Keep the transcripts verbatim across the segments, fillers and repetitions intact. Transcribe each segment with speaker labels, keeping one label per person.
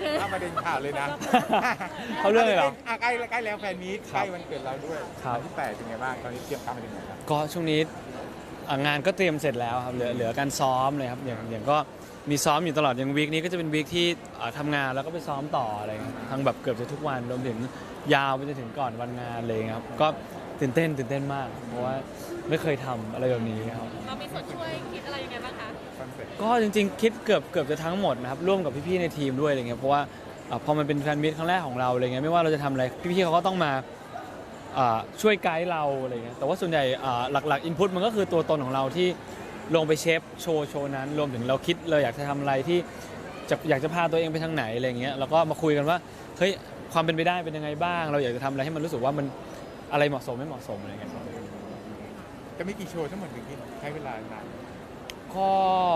Speaker 1: ถ้าประเด็นข่าวเลยนะ
Speaker 2: เขาเรื่องเลยเหรอ
Speaker 1: ใกล้ใกล้แล้วแฟนมีตใกล้วันเกิดเราด้วย
Speaker 2: ครับ
Speaker 1: วันที่แปดเป็นไงบ้างตอนนี้เตรียมการมาถึงไหนครับ
Speaker 2: ก็ช่วงนี้อ่ะงานก็เตรียมเสร็จแล้วครับเหลือเหลือการซ้อมเลยครับอย่างอย่างก็มีซ้อมอยู่ตลอดอย่างวีคนี้ก็จะเป็นวีคที่อ่าทำงานแล้วก็ไปซ้อมต่ออะไรเงี้ยทั้งแบบเกือบจะทุกวันรวมถึงยาวไปจนถึงก่อนวันงานเลยครับก็ตื่นเต้นตื่นเต้นมาก เพราะว่าไม่เคยทำอะไรแบบนี้ครับ
Speaker 3: เรามีส่วนช่วยคิดอะไรยังไงบ้างคะ
Speaker 1: คอนเซ็ปต์
Speaker 2: ก็จริงๆ คิดเกือบเกือบจะทั้งหมดนะครับร่วมกับพี่ๆในทีมด้วยอะไรเงี้ยเพราะว่าอ่าพอมันเป็นแฟนมิตครั้งแรกของเราอะไรเงี้ยไม่ว่าเราจะทำอะไรพี่ๆเขาก็ต้องมาอ่าช่วยไกด์เราอะไรเงี้ยแต่ว่าส่วนใหญ่อ่าหลักๆอินพุตมันก็คือตัวตนของเราที่ลงไปเชฟโชว์โชว์นั้นรวมถึงเราคิดเราอยากจะทำอะไรที่จะอยากจะพาตัวเองไปทางไหนอะไรเงี้ยแล้วก็มาคุยกันว่าเฮ้ยความเป็นไปได้เป็นยังไงบ้าง เราอยากจะทำอะไรให้มันรู้สึกว่ามันอะไรเหมาะสมไม่เหมาะสมอะไรเงี้ยครับ
Speaker 1: จะมีกี่โชว์ทั้งหมดถึงที่ใช้เวลานาน
Speaker 2: ก็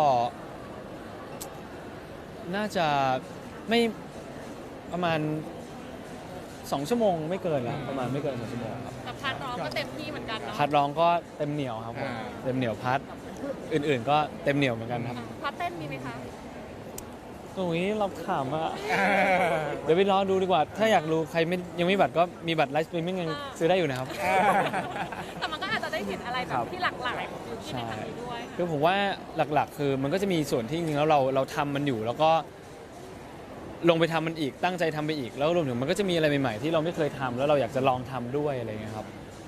Speaker 2: น่าจะไม่ประมาณสองชั่วโมงไม่เกินแล้วประมาณไม่เกินสองชั่วโมงครับ
Speaker 3: แต่พาร์ทร้องก็เต็มที่เหมือนกันเนาะ
Speaker 2: พัดร้องก็เต็มเหนียวครับผมเต็มเหนียวพัดอื่นๆ ก็เต็มเหนียวเหมือนกันครับ
Speaker 3: พาร์ทเต้นมีไหมคะ
Speaker 2: ตรงนี้เราขำอะเดี๋ยวไปรอดูดีกว่า ถ้าอยากรู้ใครไม่ยังไม่มีบัตรก็มีบัตรไลฟ์สตรีมมิ่งยังซื้อได้อยู่นะครับ
Speaker 3: แต่มันก็อาจจะได้เห็นอะไรแบ
Speaker 2: ครับ บ
Speaker 3: ที่หลากหลายของยูที่ในครั้งนี้ด้วย
Speaker 2: คือผมว่าหลักๆ คือมันก็จะมีส่วนที่จริงๆแล้วเราเราทำมันอยู่แล้วก็ลงไปทำมันอีกตั้งใจทำไปอีกแล้วรวมถึงมันก็จะมีอะไรใหม่ๆที่เราไม่เคยทำแล้วเราอยากจะลองทำด้วยอะไรเงี้ยครับ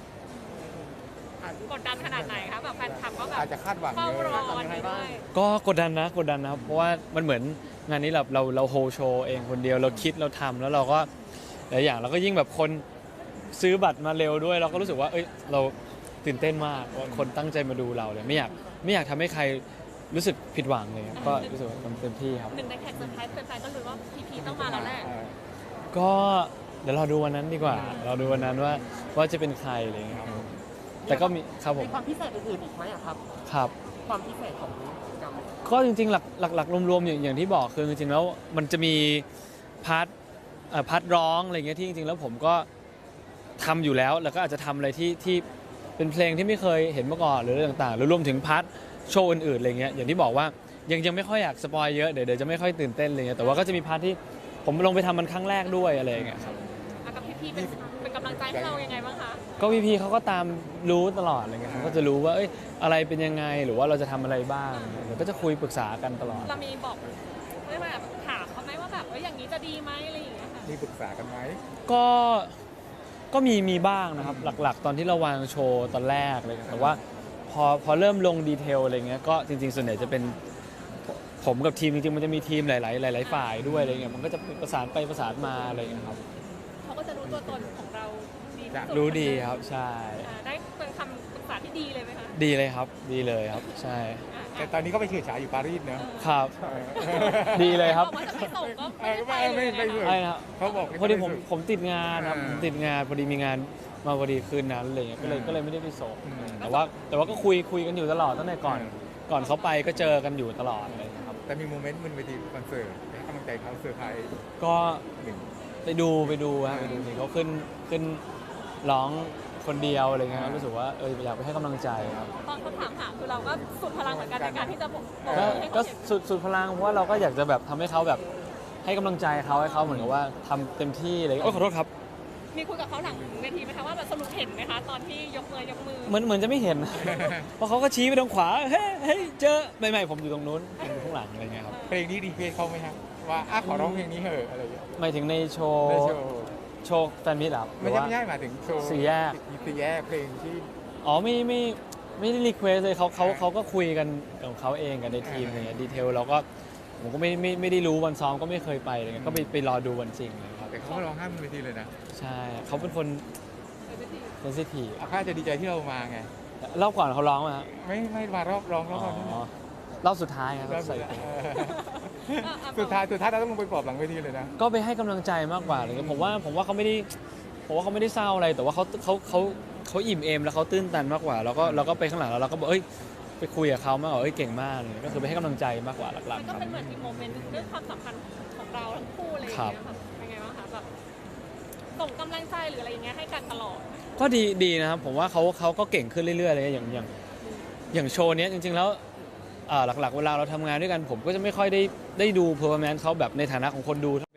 Speaker 3: กดดันขนาดไหนคะแบบแฟนคลับก็แบบ
Speaker 1: อาจจะคาดหวัง
Speaker 3: เฝ้า
Speaker 1: เย
Speaker 3: รอ
Speaker 1: อะ
Speaker 3: วันนี้ด้วย
Speaker 2: ก็กดดันนะกดดันนะครับเพราะว่ามันเหมือนงานนี้เราเราเราโฮโชว์เองคนเดียวเราคิดเราทำแล้วเราก็หลายอย่างเราก็ยิ่งแบบคนซื้อบัตรมาเร็วด้วย เราก็รู้สึกว่าเอ้ยเราตื่นเต้นมากว่าคนตั้งใจมาดูเราเลยไม่อยากไม่อยากทำให้ใครรู้สึกผิดหวังเลยครับก็รู้สึกว่าทำเต็มที่ครับ
Speaker 3: หนึ่งในแขกเซอร์ไพรส์แฟนๆก็รู้ว่าพีพีต้องมาแล้วแหละ
Speaker 2: ก็เดี๋ยวเราดูวันนั้นดีกว่า เราดูวันนั้นว่าว่าจะเป็นใครอะไรอย่างเงี้ยครับแต่ก็มีครับผม
Speaker 4: มีความพิเศษอื่นๆอีกไหมอะครับ
Speaker 2: ครับ
Speaker 4: ความพิเศษของกิจกรรม
Speaker 2: ก็จริงๆหลักหลักหลักรวมๆอย่างอย่างที่บอกคือจริงๆแล้วมันจะมีพาร์ทเอ่อพาร์ทร้องอะไรเงี้ยที่จริงๆแล้วผมก็ทำอยู่แล้วแล้วก็อาจจะทำอะไรที่ที่เป็นเพลงที่ไม่เคยเห็นมาก่อนหรืออะไรต่างๆหรือรวมถึงพาร์ทโชว์อื่นๆอะไรเงี้ยอย่างที่บอกว่ายังยังไม่ค่อยอยากสปอยเยอะเดี๋ยวเดี๋ยวจะไม่ค่อยตื่นเต้นอะไรเงี้ยแต่ว่าก็จะมีพาร์ทที่ผมลงไปทำมันครั้งแรกด้วยอะไรอย่างเงี้ยครับ
Speaker 3: อ่ะกับพีพีเป็นเป็นกำลังใจให้เรายังไงบ้างคะ
Speaker 2: ก็พี่พีเขาก็ตามรู้ตลอดอะไรเงี้ยเขาก็จะรู้ว่าเอ้ยอะไรเป็นยังไงหรือว่าเราจะทำอะไรบ้างเดี๋ยวก็จะคุยปรึกษากันตลอด
Speaker 3: เรามีบอกเรียกว่าแบบถามเขาไหมว่าแบบเอ้ยอย่างนี้จะดีไหมอะไรอย่างเงี้ยค่ะ
Speaker 1: มีปรึกษากันไหม
Speaker 2: ก็ก็มีมีบ้างนะครับหลักๆ ตอนที่เราวางโชว์ตอนแรกเลยแต่ว่าพอพอเริ่มลงดีเทลอะไรเงี้ยก็จริงๆส่วนใหญ่จะเป็นผมกับทีมจริงๆมันจะมีทีมหลายๆหลายๆฝ่ายด้วยอะไรเงี้ยมันก็จะประสานไปประสานมาอะไรเงี้ยครับ
Speaker 3: เขาก็จะรู้ตัวตนของเราดีที่สุด
Speaker 2: รู้ดีครับใช่
Speaker 3: อ่าได้เป็นคำปรึกษาที่ดีเลยไหมคะ
Speaker 2: ดีเลยครับดีเลยครับใช่
Speaker 3: อ่า
Speaker 1: แต่ตอนนี้ก็ไปเฉิดฉายอยู่ปารีสเนอะ
Speaker 2: ครับ ดีเลยครับ
Speaker 3: บอกว่าจะไม่ส่งก็
Speaker 1: เอ
Speaker 3: ไม่
Speaker 1: อ
Speaker 3: ได้ไป
Speaker 1: ไม่
Speaker 3: เลย
Speaker 1: ไม่ไม่
Speaker 3: นะคะ
Speaker 2: ใช่นะครับ
Speaker 1: เขาบอก
Speaker 2: พอดีผมผมติดงานครับ
Speaker 1: อ่า
Speaker 2: ผมติดงานพอดีมีงานมาพอดีคืนนั้นอะไรเงี้ยก็เลย
Speaker 1: อืม
Speaker 2: ก็เลยไม่ได้ไปส่ง
Speaker 1: อืม
Speaker 2: แต่ว่าแต่ว่าก็คุยคุยกันอยู่ตลอดตั้งแต่ก่อน
Speaker 1: อืม
Speaker 2: ก่อนเขาไปก็เจอกันอยู่ตลอดเลยครับ
Speaker 1: แต่มีโมเมนต์บนเวทีคอนเสิร์ตให้กำลังใจเขาเซอร์ไพรส์
Speaker 2: ก็
Speaker 1: หนึ่ง
Speaker 2: ไปดูไปดูฮะไปดูนี่เขาขึ้นขึ้นร้องคนเดียวอะไรเงี้ย
Speaker 1: อ่า
Speaker 2: รู้สึกว่าเอออยากไปให้กำลังใจครับ
Speaker 3: ตอนเขาถามหาคือเราก็สุดพลังเหมือนกันในการที่จะบอกบอก
Speaker 2: ก็
Speaker 3: ให้
Speaker 2: ก็
Speaker 3: เขาเห็น
Speaker 2: สุดสุดพลังเพราะว่าเราก็อยากจะแบบทำให้เขาแบบให้กำลังใจเขาให้เขาเหมือนกับว่าทำเต็มที่อะไรเงี้ยโอ้ยขอโทษครับ
Speaker 3: มีคุยกับเขาหลังเวทีไหมคะว่าแบบสรุปเห็นไหมคะตอนที่ยกมือยกมือ
Speaker 2: เหมือนเหมือนจะไม่เห็น เพราะเขาก็ชี้ไปทางขวาเฮ้ยเฮ้ยเจอไม่ไม่ผมอยู่ตรงนู้นผมอยู่ข้างหลังอะไรเงี้ยครับ
Speaker 1: เพลงนี้รีเควสเขาไหมครับว่าอ่ะขอร้องเพลงนี้เหอะอะไรอย่างเงี้ย
Speaker 2: หมายถึงในโชว์
Speaker 1: ในโชว์
Speaker 2: โชว์แฟนมิตรเหรอครับหรื
Speaker 1: ไม่
Speaker 2: อ
Speaker 1: ใช่
Speaker 2: ว่า
Speaker 1: ไม่ใช่หมายถึงโชว์
Speaker 2: สี่แยก
Speaker 1: สี่แยกเพลงที่
Speaker 2: อ๋อไม่ไม่ไม่ได้รีเควสเลยเขาเขาเขาก็คุยกันของเขาเองกันในทีมอะไรเงี้ยดีเทลเราก็ผมก็ไม่ไม่ไม่ได้รู้วันซ้อมก็ไม่เคยไปอะไรเงี้ยก็ไปไปรอดูวันจริงเลยครับ
Speaker 1: แต่เขาก็ร้องไห้บนเวทีเลยนะ
Speaker 2: ใช่เขาเป็นคนเซนซิทีฟ
Speaker 1: อาค่าจะดีใจที่เรามาไง
Speaker 2: รอบก่อนเขาร้องไหมครับ
Speaker 1: ไม่ไม่มารอบร้องร
Speaker 2: อ๋
Speaker 1: อบ
Speaker 2: อ
Speaker 1: นี้
Speaker 2: รอบสุดท้ายครับ
Speaker 1: รอบ
Speaker 2: ใส่
Speaker 1: สุดท้ายสุดท้ายสุดท้ายเราต้องลงไปปลอบหลังเวทีเลยนะ
Speaker 2: ก็ไปให้กำลังใจมากกว่าอะไรเลยผมว่าผมว่าเขาไม่ได้ผมว่าเขาไม่ได้เศร้าอะไรแต่ว่าเขาเขาเขาเขาอิ่มเอมแล้วเขาตื้นตันมากกว่าแล้วก็เราก็ไปข้างหลังแล้วเราก็บอกเอ้ยไปคุยกับเขามากกว่าเอ้ยเก่งมากเลยก็คือไปให้กำลังใจมากกว่าหลัก
Speaker 3: มัน
Speaker 2: ๆ
Speaker 3: ก็
Speaker 2: ครับ
Speaker 3: เป็นเหมือนอีกโมเมนต์หนึงด้วยความสัมพันธ์ของเราทั้งคู่อะไรอย่างเงี้ยค่ะเป็นไงบ้างคะแบบส่งกำลังใจหรืออะไรอย่างเงี้ยให้กันตลอด
Speaker 2: ก็ดีดีนะครับผมว่าเขาเขาก็เก่งขึ้นเรื่อยๆเลยอย่างอย่างอย่างโชว์เนี้ยจริงๆแล้วอ่าหลักๆเวลาเราทำงานด้วยกันผมก็จะไม่ค่อยได้ได้ดูเพอร์ฟอร์แมนซ์เขาแบบในฐานะของคนดูถ้าเป็น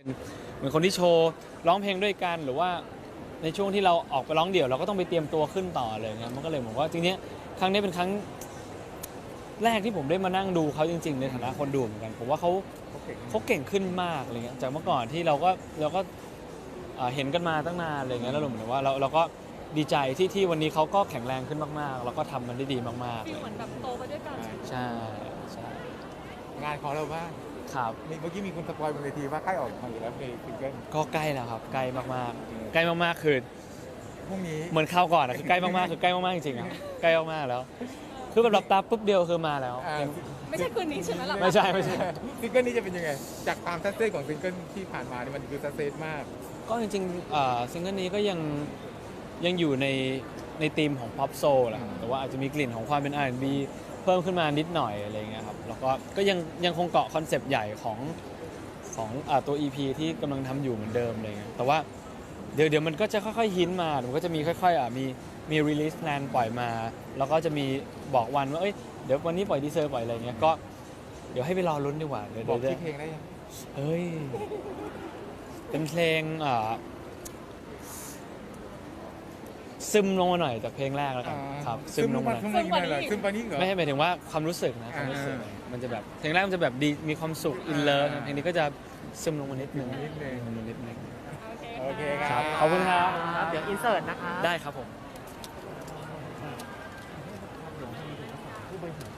Speaker 2: เหมือนคนที่โชว์ร้องเพลงด้วยกันหรือว่าในช่วงที่เราออกไปร้องเดี่ยวเราก็ต้องไปเตรียมตัวขึ้นต่อเลยเงี้ยมันก็เลยผมว่าจริงๆครั้งนี้เป็นครั้งแรกที่ผมได้มานั่งดูเขาจริงๆในฐานะคนดูเหมือนกันผมว่าเขา
Speaker 1: เขาเก่ง
Speaker 2: เขาเก่งขึ้นมากอะไรเงี้ยจากเมื่อก่อนที่เราก็เราก็เอ่อเห็นกันมาตั้งนานอะไรเงี้ยแล้วเราเหมือนว่าเราเราก็ดีใจที่ที่วันนี้เขาก็แข็งแรงขึ้นมากๆแล้วก็ทำมันได้ดีมากๆ
Speaker 3: ฟี
Speaker 2: เล
Speaker 3: ล
Speaker 2: ย
Speaker 3: เหมือนแบบโตไปด้วยกัน
Speaker 2: ใช่ใช่
Speaker 1: งานของเราบ้าง
Speaker 2: ครับ
Speaker 1: มีเมื่อกี้มีคนสปอยล์บนเวทีว่าใกล้ออกมาอยู่แล้วเพลงซิงเกิล
Speaker 2: ก็ใกล้แล้วครับใกล้มากๆใกล้มากๆคือ
Speaker 1: พรุ่งนี้
Speaker 2: เหมือนข้าวก่อนอะคือใกล้มากๆคือใกล้มากๆจริงๆอะใกล้มากๆแล้ว คือแบบหลับตาปุ๊บเดียวคือมาแล้ว
Speaker 1: อ่า
Speaker 3: ไม่ใช่คืนนี้ใช่ไหมล่ะ
Speaker 2: ไม่ใช่ไม่ใช่
Speaker 1: ซิงเกิลนี้จะเป็นยังไง จากความซัสเซสของซิงเกิลที่ผ่านมานี่มันคือซัสเซสมาก
Speaker 2: ก็จริงๆเอ่อซิงเกิลนี้ก็ยังยังอยู่ในในธีมของ pop soul แหละครับแต่ว่าอาจจะมีกลิ่นของความเป็น อาร์ แอนด์ บี เพิ่มขึ้นมานิดหน่อยอะไรเงี้ยครับแล้วก็ก็ยังยังคงเกาะคอนเซปต์ใหญ่ของของอ่าตัว อี พี ที่กำลังทำอยู่เหมือนเดิมอะไรเงี้ยแต่ว่าเดี๋ยวเดี๋ยวมันก็จะค่อยๆฮินมามันก็จะมีค่อยๆอ่ะมีมี release plan ปล่อยมา แล้วก็จะมีบอกวันว่าเอ้ยเดี๋ยววันนี้ปล่อยดีเซอร์ปล่อยอะไรเงี้ยก็เดี๋ยวให้ไปรอลุ้นดีกว่าเดี๋ยว
Speaker 1: บอก
Speaker 2: เดี๋ยว
Speaker 1: ที่อเพลงได้ยัง
Speaker 2: เฮ้ยเป็นเพลงอ่าซึมลงมาหน่อยจากเพลงแรกแล้วกันครับซึมลงมาหน่อย
Speaker 1: ซึมลงมาหน่อยซึมไปนี่เหรอ
Speaker 2: ไม่ใช่หมายถึงว่าความรู้สึกนะความรู้สึก
Speaker 1: อ่า
Speaker 2: มันจะแบบเพลงแรกมันจะแบบดีมีความสุขอินเลิฟเพลงนี้ก็จะซึมลงมานิดนึง
Speaker 1: นิดนึง
Speaker 2: ซึมลงนิดนึง
Speaker 3: โอ
Speaker 1: โอ
Speaker 3: เค
Speaker 1: เค
Speaker 3: ค่ะ
Speaker 1: ครับ
Speaker 2: ขอบคุณครับ
Speaker 4: ครับเดี๋ยวอินเสิร์ตนะคะ
Speaker 2: ได้ครับผม
Speaker 4: ผู้บริหาร